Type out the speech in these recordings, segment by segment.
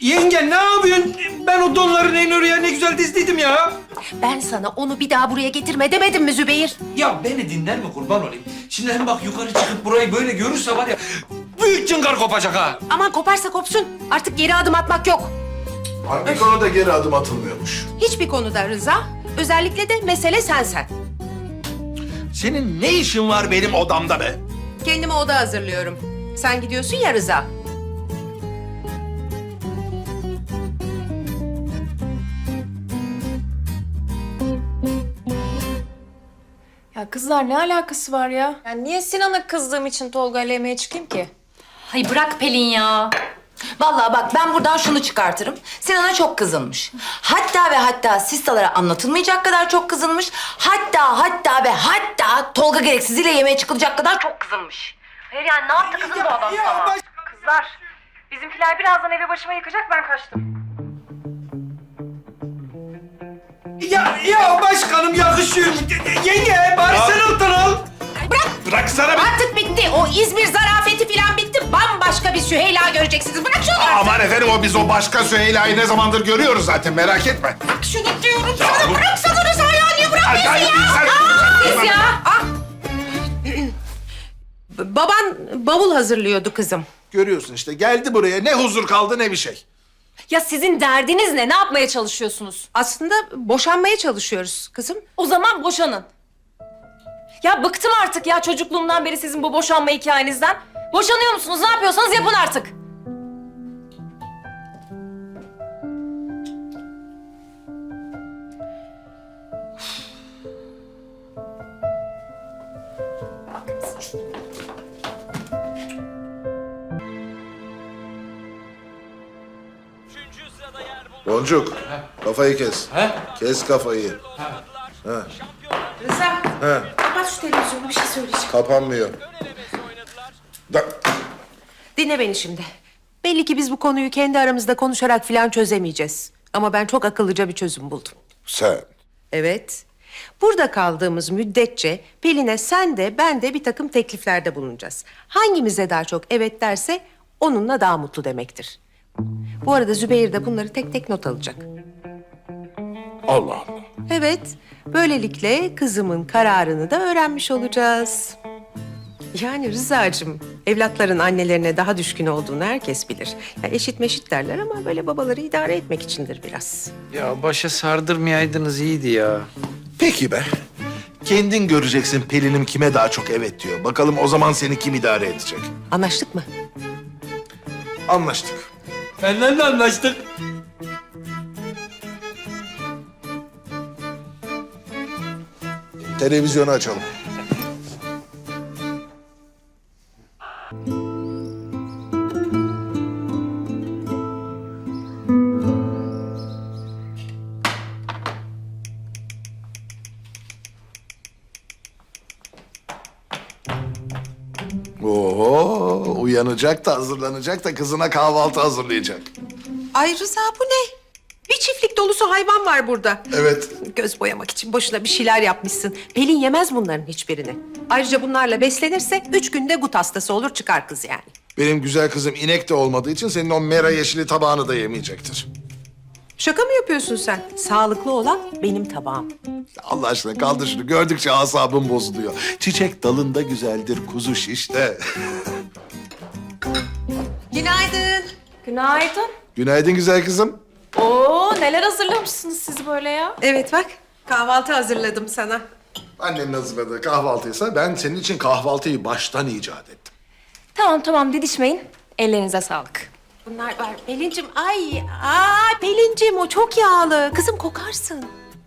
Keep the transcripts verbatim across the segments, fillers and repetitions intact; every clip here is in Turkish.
Yenge ne yapıyorsun? Ben o donların en oraya ne güzel dizdiydim ya. Ben sana onu bir daha buraya getirme demedim mi Zübeyir? Ya beni dinler mi kurban olayım? Şimdi hem bak yukarı çıkıp burayı böyle görürse var ya... ...büyük cıngar kopacak ha. Aman koparsa kopsun. Artık geri adım atmak yok. Hangi konuda geri adım atılmıyormuş? Hiçbir konuda Rıza. Özellikle de mesele sensen. Senin ne işin var benim odamda be? Kendime oda hazırlıyorum. Sen gidiyorsun ya Rıza. Ya kızlar ne alakası var ya? Yani niye Sinan'a kızdığım için Tolga ile yemeğe çıkayım ki? Hay bırak Pelin ya. Vallahi bak ben buradan şunu çıkartırım. Sinan'a çok kızılmış. Hatta ve hatta sistalara anlatılmayacak kadar çok kızılmış. Hatta hatta ve hatta Tolga gereksiziyle yemeğe çıkılacak kadar çok kızılmış. Hayır yani ne yaptı kızım bu adam sana? Kızlar, bizimkiler birazdan evi başıma yıkacak, ben kaçtım. Ya, ya başkanım yakışıyor. Yenge bari sen alttan al. Bıraksana be! Artık bitti. O İzmir zarafeti falan bitti. Bambaşka bir Süheyla göreceksiniz. Bırak şunu. Aman efendim o biz o başka Süheyla'yı ne zamandır görüyoruz zaten merak etme. Bırak şunu diyorum sana. Bıraksana Rıza ya. Niye bırakmıyorsun Ay, ay, ya? sen- Aa, biz ya. Ah. Baban bavul hazırlıyordu kızım. Görüyorsun işte geldi buraya ne huzur kaldı ne bir şey. Ya sizin derdiniz ne? Ne yapmaya çalışıyorsunuz? Aslında boşanmaya çalışıyoruz kızım. O zaman boşanın. Ya bıktım artık ya çocukluğumdan beri sizin bu boşanma hikayenizden. Boşanıyor musunuz? Ne yapıyorsanız yapın artık. Boncuk kafayı kes. He? Kes kafayı. Rıza. He. Kapat şu televizyonu. Bir şey söyleyeceğim. Kapanmıyor. Da Dinle beni şimdi. Belli ki biz bu konuyu kendi aramızda konuşarak falan çözemeyeceğiz. Ama ben çok akıllıca bir çözüm buldum. sen. Evet. Burada kaldığımız müddetçe Pelin'e sen de ben de bir takım tekliflerde bulunacağız. Hangimize daha çok evet derse onunla daha mutlu demektir. Bu arada Zübeyir de bunları tek tek not alacak. Allah Allah. Evet, böylelikle kızımın kararını da öğrenmiş olacağız. Yani Rıza'cığım, evlatların annelerine daha düşkün olduğunu herkes bilir. Ya eşit meşit derler ama böyle babaları idare etmek içindir biraz. Ya başa sardırmayaydınız iyiydi ya. Peki be. Kendin göreceksin Pelin'im kime daha çok evet diyor. Bakalım o zaman seni kim idare edecek? Anlaştık mı? Anlaştık. Benden de anlaştık. Televizyonu açalım. Oho, uyanacak da hazırlanacak da kızına kahvaltı hazırlayacak. Ay Rıza bu ne? Bir çiftlik dolusu hayvan var burada. Evet. Göz boyamak için boşuna bir şeyler yapmışsın. Pelin yemez bunların hiçbirini. Ayrıca bunlarla beslenirse üç günde gut hastası olur çıkar kız yani. Benim güzel kızım inek de olmadığı için senin o mera yeşili tabağını da yemeyecektir. Şaka mı yapıyorsun sen? Sağlıklı olan benim tabağım. Allah aşkına kaldır şunu. Gördükçe asabım bozuluyor. Çiçek dalında güzeldir, kuzu şişte. Günaydın. Günaydın. Günaydın güzel kızım. Oo neler hazırlamışsınız siz böyle ya? Evet bak kahvaltı hazırladım sana. Annenin hazırladığı kahvaltıysa ben senin için kahvaltıyı baştan icat ettim. Tamam tamam didişmeyin. Ellerinize sağlık. Bunlar var. Pelincim ay ay Pelincim o çok yağlı. Kızım kokarsın.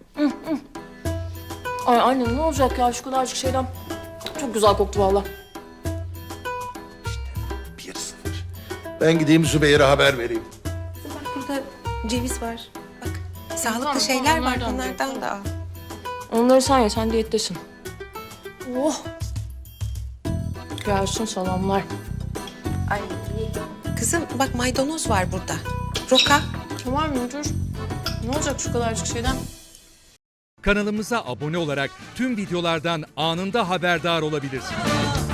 Ay anne ne olacak ya şu kadarcık şeyden. Çok güzel koktu vallahi. Bir sıfır. Ben gideyim Zübeyir'e haber vereyim. Bak burada ceviz var. Bak sağlıklı Tamam, şeyler tamam, var. onlardan Bunlardan da al. Onları sen ye, sen diyettesin. Oh! Gelsin salamlar. Ay kızım bak maydanoz var burada. Roka. Tamam müdür. Ne olacak şu kadarcık şeyden? Kanalımıza abone olarak tüm videolardan anında haberdar olabilirsiniz.